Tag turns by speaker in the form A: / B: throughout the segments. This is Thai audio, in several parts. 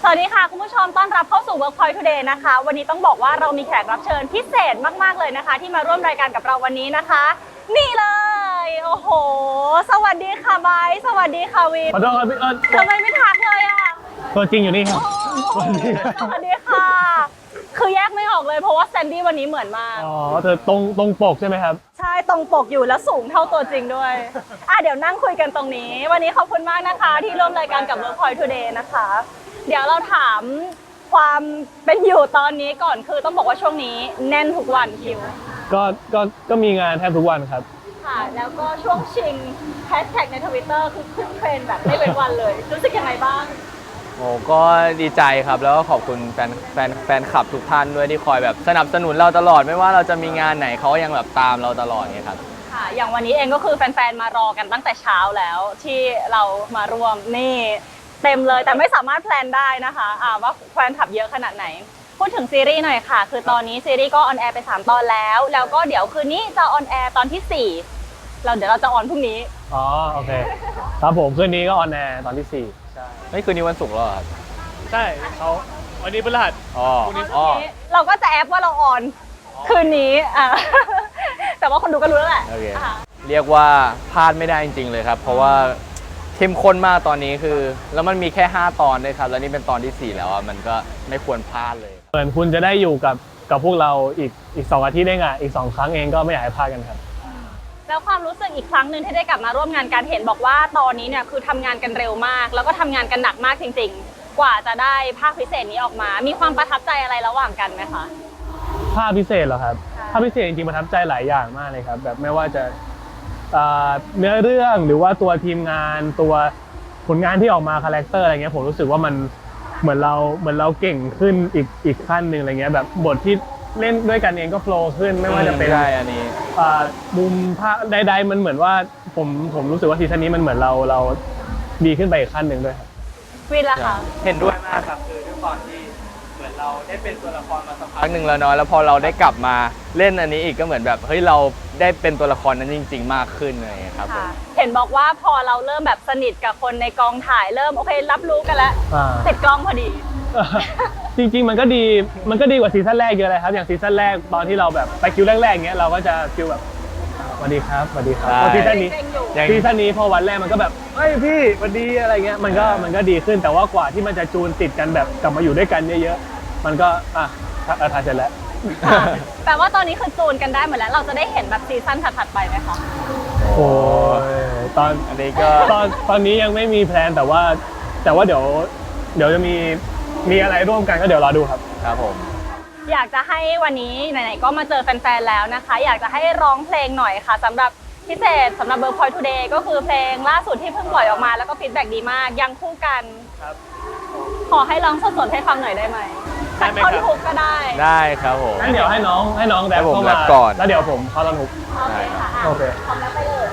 A: สวัสดีค่ะคุณผู้ชมต้อนรับเข้าสู่ Workpoint Today นะคะวันนี้ต้องบอกว่าเรามีแขกรับเชิญพิเศษมากๆเลยนะคะที่มาร่วมรายการกับเราวันนี้นะคะนี่เลยโอ้โหสวัสดีค่ะไบร์ทสวัสดีค่ะวิน
B: ขอโทษครับพี่
A: ทำไมไม่ทักเลยอ่ะ
B: ตัวจริงอยู่นี่ครับ
A: สวัสดีค่ะคือแยกไม่ออกเลยเพราะว่าแซนดี้วันนี้เหมือนมาก
B: อ๋อเธอตรงปกใช่ไหมครับ
A: ใช่ตรงปกอยู่แล้วสูงเท่าตัวจริงด้วยเดี๋ยวนั่งคุยกันตรงนี้วันนี้ขอบคุณมากนะคะที่ร่วมรายการกับ Workpoint Today นะคะเดี๋ยวเราถามความเป็นอยู่ตอนนี้ก่อนคือต้องบอกว่าช่วงนี้แน่นทุกวันคิว
B: ก็มีงานแทบทุกวันครับ
A: ค่ะแล้วก็ช่วงชิงแฮชแท็กใน Twitter คือขึ้นเทรนด์แบบไม่เป็นวันเลยรู้สึกยังไงบ้าง
C: โอ้ก็ดีใจครับแล้วก็ขอบคุณแฟนคลับทุกท่านด้วยที่คอยแบบสนับสนุนเราตลอดไม่ว่าเราจะมีงานไหนเขายังแบบตามเราตลอดไงครับ
A: ค่ะอย่างวันนี้เองก็คือแฟนๆมารอกันตั้งแต่เช้าแล้วที่เรามาร่วมนี่เต็มเลยแต่ไม่สามารถแพลนได้นะคะว่าแฟนคลับเยอะขนาดไหนพูดถึงซีรีส์หน่อยค่ะคือตอนนี้ซีรีส์ก็ออนแอร์ไป3ตอนแล้วก็เดี๋ยวคืนนี้จะออนแอร์ตอนที่4เดี๋ยวเราจะออนพรุ่งนี้
B: อ๋อโอเคครับผมคืนนี้ก็ออนแอร์ตอนที่4
C: ใช่ไม่คืนนี้วันศุกร์แล้วครับ
B: ใช่เขาวันนี้พฤหัส
A: พรุ่งนี้เราก็จะแอปว่าเราออนคืนนี้แต่ว่าคนดูก็รู้แล้วแหละ
C: เรียกว่าพลาดไม่ได้จริงๆเลยครับเพราะว่าเข้มข้นมากตอนนี้คือแล้วมันมีแค่5ตอนด้วยครับแล้วนี่เป็นตอนที่4แล้วมันก็ไม่ควรพลาดเลย
B: เหมือนคุณจะได้อยู่กับพวกเราอีก2 อาทิตย์ได้ไงอีก2 ครั้งเองก็ไม่อยากให้พลาดกันครับ
A: แล้วความรู้สึกอีกครั้งหนึ่งที่ได้กลับมาร่วมงานการเห็นบอกว่าตอนนี้เนี่ยคือทำงานกันเร็วมากแล้วก็ทำงานกันหนักมากจริงๆกว่าจะได้ภาคพิเศษนี้ออกมามีความประทับใจอะไรระหว่างกันไหมคะ
B: ภาคพิเศษเหรอครับภาคพิเศษจริงๆประทับใจหลายอย่างมากเลยครับแบบไม่ว่าจะเนื้อเรื่องหรือว่าตัวทีมงานตัวผลงานที่ออกมาคาแรคเตอร์อะไรเงี้ยผมรู้สึกว่ามันเหมือนเราเก่งขึ้นอีกขั้นหนึ่งอะไรเงี้ยแบบบทที่เล่นด้วยกันเองก็โฟล์ขึ้นไม่ว่าจะเป็น
C: อันนี้
B: มุมภาพใดๆมันเหมือนว่าผมรู้สึกว่าซีซั่นนี้มันเหมือนเราดีขึ้นไปอีกขั้นหนึ่งด้วยครับ
A: วินล่ะคะ
C: เห็นด้วยมากครับคือด้วยความที่เหมือนเราได้เป็นตัวละครมาสักพักหนึ่งแล้วเนาะแล้วพอเราได้กลับมาเล่นอันนี้อีกก็เหมือนแบบเฮ้ยเราได้เป็นตัวละครนั้นจริงๆมากขึ้นเลยครับ
A: เห็นบอกว่าพอเราเริ่มแบบสนิทกับคนในกองถ่ายเริ่มโอเครับรู้กันแล้วติดกล้องพอดี
B: จริงๆมันก็ดีกว่าซีซั่นแรกเยอะเลยครับอย่างซีซั่นแรกตอนที่เราแบบไปคิวแรกๆเงี้ยเราก็จะคิวแบบสวัสดีครับพอซีซั่นนี้พอวันแรกมันก็แบบเฮ้ยพี่สวัสดีอะไรเงี้ยมันก็ดีขึ้นแต่ว่ากว่าที่มันจะจูนติดกันแบบกลับมาอยู่ด้วยกันเยอะๆมันก็ถ่ายเสร็จแล้ว
A: แปลว่าตอนนี้คือจูนกันได้หมดแล้วเราจะได้เห็นแบบซีซั่นถัดๆไปไหมคะ
B: โอ้ตอน
C: อันนี้ก็
B: ตอนนี้ยังไม่มีแพลนแต่ว่าเดี๋ยวจะมีอะไรร่วมกันก็เดี๋ยวรอดูครับ
C: ครับผม
A: อยากจะให้วันนี้ไหนๆก็มาเจอแฟนๆแล้วนะคะอยากจะให้ร้องเพลงหน่อยค่ะสำหรับพิเศษสำหรับ Workpoint Today ก็คือเพลงล่าสุดที่เพิ่งปล่อยออกมาแล้วก็ฟีดแบ็กดีมากยังคู่กัน
B: ครับ
A: ขอให้ร้องสดๆให้ฟังหน่อยได้ไหมสักท่อนฮุกก็
C: ได้ครับผม
B: งั้นเดี๋ยวให้น้องแรปเข้ามา
C: ก่อน
B: แล้วเดี๋ยวผมเข้าท่อนฮุก
A: ได้ค่ะ
B: โอเค
A: พร้อมแล้วไปเลย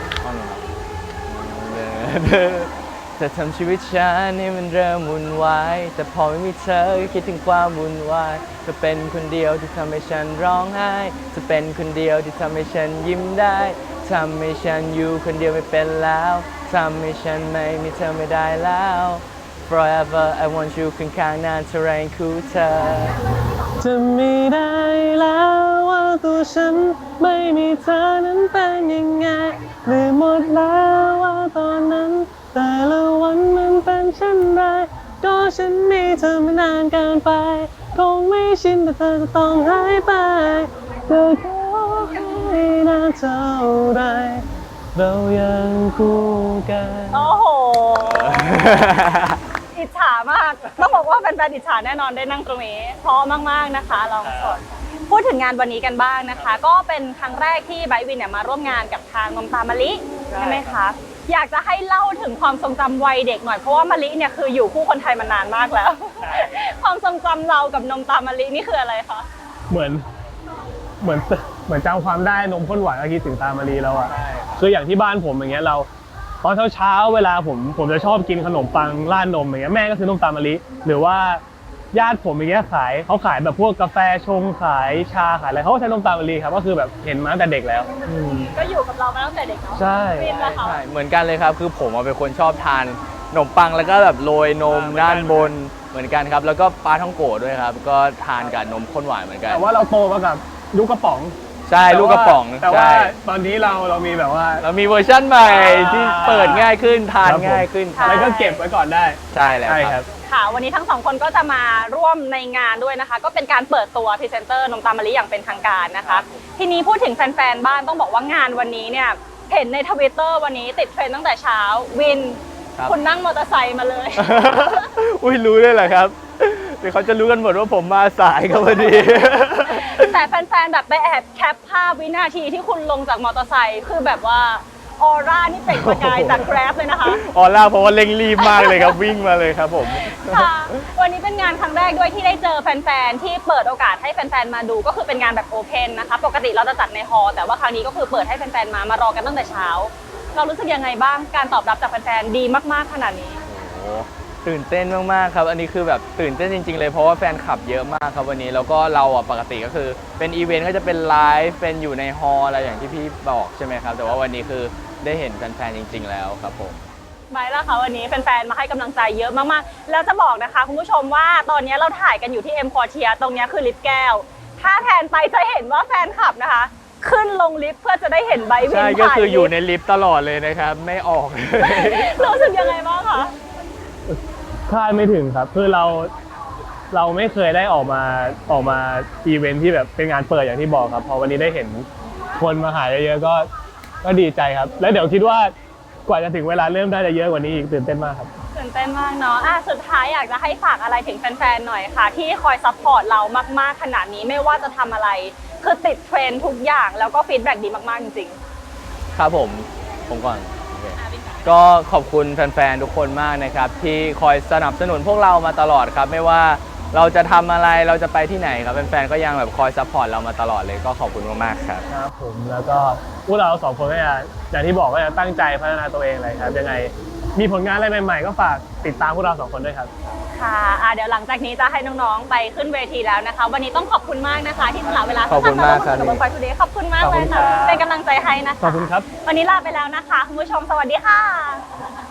C: จะทำชีวิตฉันให้มันเริ่มวุ่นวายแต่พอไม่มีเธอก็คิดถึงความวุ่นวายจะเป็นคนเดียวที่ทำให้ฉันร้องไห้จะเป็นคนเดียวที่ทำให้ฉันยิ้มได้ทำให้ฉันอยู่คนเดียวไม่เป็นแล้วทำให้ฉันไม่มีเธอไม่ได้แล้ว Forever I want you ข้างๆนานเท่าไรคู่เธอ
B: จะไม่ได้แล้วว่าตัวฉันไม่มีเธอนั้นเป็นยังไงลืมหมดแล้วว่าตอนนั้นแต่ละวันมันเป็นเช่นไรก็ฉันมีเธอมานานเกินไปคงไม่ชินแต่เธอจะต้องหายไปเธอขอให้นานเท่าไรเรายังคู่กัน
A: โอ้โหอิจฉามากต้องบอกว่าแฟนๆอิจฉาแน่นอนได้นั่งตรงนี้พร้อมมากๆนะคะลองสดพูดถึงงานวันนี้กันบ้างนะคะก็เป็นครั้งแรกที่ไบร์ทวินเนี่ยมาร่วมงานกับทางนมตามะลิใช่ไหมคะอยากจะให้เล่าถึงความทรงจำวัยเด็กหน่อยเพราะว่ามะลิเนี่ยคืออยู่คู่คนไทยมานานมากแล้วความทรงจำเรากับนมตามะลินี่คืออะไรคะ
B: เหมือนจำความได้นมข้นหวานก็คิดถึงตามะลิแล้วอ่ะคืออย่างที่บ้านผมอย่างเงี้ยเราตอนเช้าเวลาผมจะชอบกินขนมปังราดนมอย่างเงี้ยแม่ก็ซื้อนมตามะลิหรือว่าญาติผมอย่างเงี้ยเขาขายแบบพวกกาแฟชงขายชาขายอะไรเขาก็ใช้นมตามมะลิครับก็คือแบบเห็นมาตั้งแต่เด็กแล้ว
A: ก็อยู่กับเรามาตั้งแต่เด็กเนาะ
B: ใช่
C: เหมือนกันเลยครับคือผมเป็นคนชอบทานขนมปังแล้วก็แบบโรยนมด้านบนเหมือนกันครับ แล้วก็ปลาท่องโกะด้วยครับ ก็ทานกับนมข้นหวานเหมือนกัน
B: แต่ว่าเราโตมากับลูกกระป๋อง
C: ใช่ลูกกระป๋อง
B: แต่ว่า
C: ใช่
B: ตอนนี้เรามีแบบว่า
C: เรามีเวอร์ชั่นใหม่ที่เปิดง่ายขึ้นทาน
B: ครับผม
C: ง่ายขึ้นครับ
B: แล้วก็เก็บไว้ก่อนได้
C: ใช่แล้ว
B: ใช่
C: ค
B: ค
C: รั
B: รับ บ
A: ค่ะ วันนี้ทั้งสองคนก็จะมาร่วมในงานด้วยนะคะ ก็เป็นการเปิดตัวพรีเซนเตอร์นมตามมะลิอย่างเป็นทางการนะคะ ทีนี้พูดถึงแฟนๆบ้านต้องบอกว่างานวันนี้เนี่ยเห็นในทวิตเตอร์วันนี้ติดเทรนด์ตั้งแต่เช้าวิน
C: ครับ
A: คุณนั่งมอเตอร์ไซค์มาเลย
C: อุ้ยรู้ได้เหรอครับเดี๋ยวเขาจะรู้กันหมดว่าผมมาสายครับพอดี
A: แต่แฟนๆแบบไปแอบแคปภาพวินาทีที่คุณลงจากมอเตอร์ไซค์คือแบบว่าออร่านี่เปล่งประกายจากแกร็บเลยนะคะ
C: ออล่าเพราะว่าเร่งรีบมากเลยครับวิ่งมาเลยครับผม
A: ค่ะ วันนี้เป็นงานครั้งแรกด้วยที่ได้เจอแฟนๆที่เปิดโอกาสให้แฟนๆมาดูก็คือเป็นงานแบบโอเพนนะคะปกติเราจะจัดในฮอลล์แต่ว่าครั้งนี้ก็คือเปิดให้แฟนๆมารอกันตั้งแต่เช้า เรารู้สึกยังไงบ้างการตอบรับจากแฟนๆดีมากๆขนาดนี้
C: โอ้โหตื่นเต้นมากๆครับ อันนี้คือแบบตื่นเต้นจริงๆเลยเพราะว่าแฟนคลับเยอะมากครับวันนี้แล้วก็เราอ่ะปกติก็คือเป็นอีเวนต์ก็จะเป็นไลฟ์เป็นอยู่ในฮอลล์อะไรอย่างที่พี่บอกใช่ไหมครับแต่ว่าวันนี้คือได้เห็นแฟนๆจริง ๆ แล้วครับผม
A: ไว้แล้วค่ะวันนี้แฟนๆมาให้กำลังใจเยอะมากๆ แล้วจะบอกนะคะคุณผู้ชมว่าตอนนี้เราถ่ายกันอยู่ที่เอ็มพอเทียตรงนี้คือลิฟต์แก้ว ถ้าแทนไปจะเห็นว่าแฟนคลับนะคะ ขึ้นลงลิฟต์เพื่อจะได้เห็นใบวิน
C: ใช่
A: ผ่าน
C: ก็คืออยู่ใน
A: ลิฟต์
C: ลิฟต์ตลอดเลยนะครับ ไม่ออกเลย
A: รู้สึกยังไงบ้างคะ
B: คาดไม่ถึงครับคือเราไม่เคยได้ออกมาอีเวนท์ที่แบบเป็นงานเปิดอย่างที่บอกครับพอวันนี้ได้เห็นคนมาหาเยอะๆก็ดีใจครับ แล้วเดี๋ยวคิดว่ากว่าจะถึงเวลาเริ่มได้จะเยอะกว่านี้อีกตื่นเต้นมากครับ
A: ตื่นเต้นมากเนาะสุดท้ายอยากจะให้ฝากอะไรถึงแฟนๆหน่อยค่ะ ที่คอยซัพพอร์ตเรามากๆขนาดนี้ไม่ว่าจะทำอะไร คือติดเทรนด์ทุกอย่างแล้วก็ฟีดแบ็กดีมากๆจริง
C: ครับผมก่อนโอเคก็ขอบคุณแฟนๆทุกคนมากนะครับ ที่คอยสนับสนุนพวกเรามาตลอดครับ ไม่ว่าเราจะทำอะไรเราจะไปที่ไหนครับแฟนๆก็ยังแบบคอยซัพพอร์ตเรามาตลอดเลยก็ขอบคุณมากๆครับ
B: ครับผมแล้วก็พวกเราสองคนก็จะอย่างที่บอกก็จะตั้งใจพัฒนาตัวเองเลยครับยังไงมีผลงานอะไรใหม่ๆ ก็ฝากติดตามพวกเราสองคนด้วยครับ
A: ๆ ค่ะเดี๋ยวหลังจากนี้จะให้น้องๆไปขึ้นเวทีแล้วนะคะ วันนี้ต้องขอบคุณมากนะคะ ที่สละเวลา
C: ขอบคุณมากครับ
A: กับวงไฟทูเดย์ขอบคุณมาก
B: ขอบ
A: เล
B: คุ
A: ย
B: ณ
A: ค่ะ
B: ครับ
A: เป็นกำลังใจให้นะคะ
B: ขอบคุณครับ
A: วันนี้ลาไปแล้วนะคะคุณผู้ชมสวัสดีค่ะ